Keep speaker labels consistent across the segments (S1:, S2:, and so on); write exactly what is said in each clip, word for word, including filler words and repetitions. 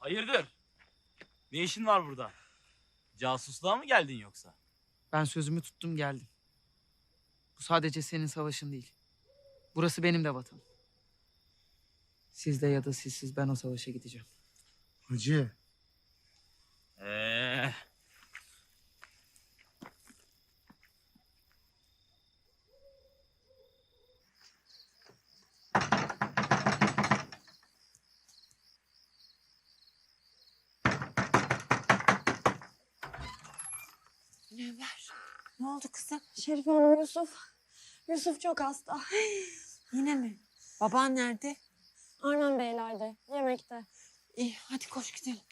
S1: Hayırdır? Ne işin var burada? Casusluğa mı geldin yoksa?
S2: Ben sözümü tuttum geldim. Bu sadece senin savaşın değil. Burası benim de vatanım. Sizde ya da sizsiz ben o savaşa gideceğim.
S3: Hacı,
S1: Ee,
S4: Münevver, ne oldu kızım?
S5: Şerife Hanım, Yusuf. Yusuf çok hasta.
S4: Yine mi? Baban nerede?
S5: Arman Beyler'de, yemekte.
S4: İyi, hadi koş gidelim.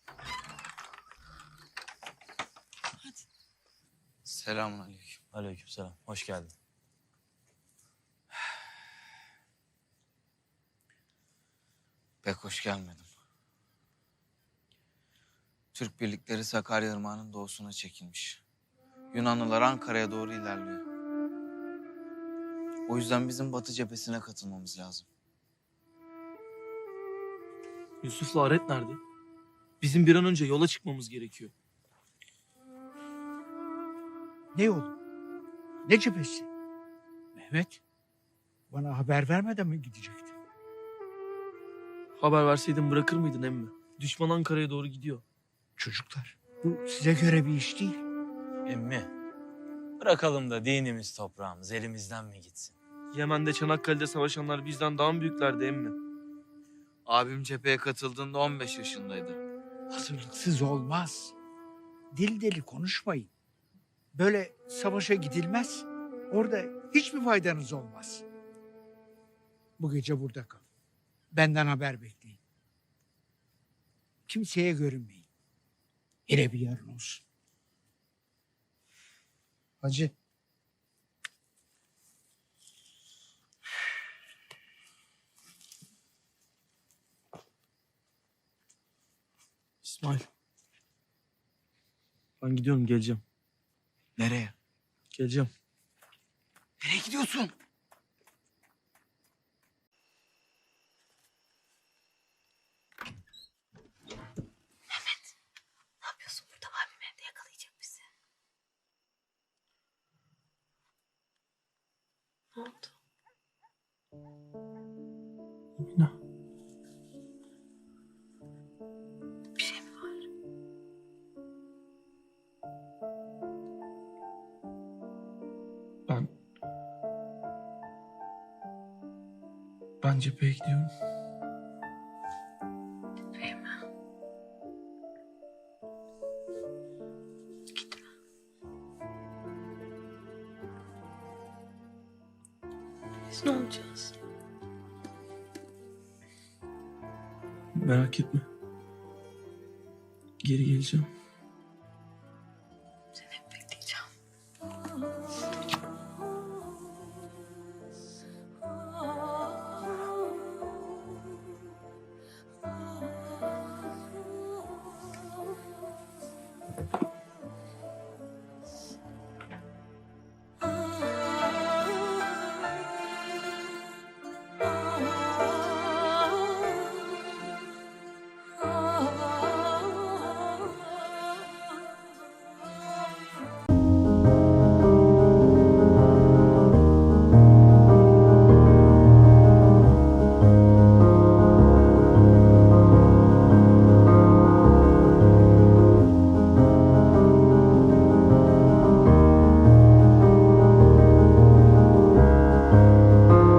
S4: Hadi.
S6: Selamünaleyküm.
S1: aleykümselam. Hoş geldin.
S6: Pek hoş gelmedim. Türk birlikleri Sakarya Irmağı'nın doğusuna çekilmiş. Yunanlılar Ankara'ya doğru ilerliyor. O yüzden bizim Batı cephesine katılmamız lazım.
S7: Yusuf'la Aret nerede? Bizim bir an önce yola çıkmamız gerekiyor.
S3: ne yolu? Ne cephesi? Mehmet, bana haber vermeden mi gidecektin?
S7: Haber verseydin bırakır mıydın emmi? Düşman Ankara'ya doğru gidiyor.
S3: Çocuklar, bu size göre bir iş değil.
S1: Emmi, bırakalım da dinimiz toprağımız elimizden mi gitsin?
S7: Yemen'de Çanakkale'de savaşanlar bizden daha mı büyüklerdi emmi?
S6: Abim cepheye katıldığında on beş yaşındaydı.
S3: Hazırlıksız olmaz. Dil deli konuşmayın. Böyle savaşa gidilmez. Orada hiçbir faydanız olmaz. Bu gece burada kalın. Benden haber bekleyin. Kimseye görünmeyin. Hele bir yarın olsun. Hacı.
S7: İsmail. Ben gidiyorum, geleceğim.
S6: Nereye?
S7: Geleceğim.
S3: Nereye gidiyorsun?
S4: Ne yapıyorsun burada? Abim evde yakalayacak bizi. Ne oldu?
S7: Emine.
S4: Bir şey mi var?
S7: Ben... Ben cepheye gidiyorum.
S4: Fehmi. Gitme. Biz ne olacağız?
S7: Merak etme. Geri geleceğim.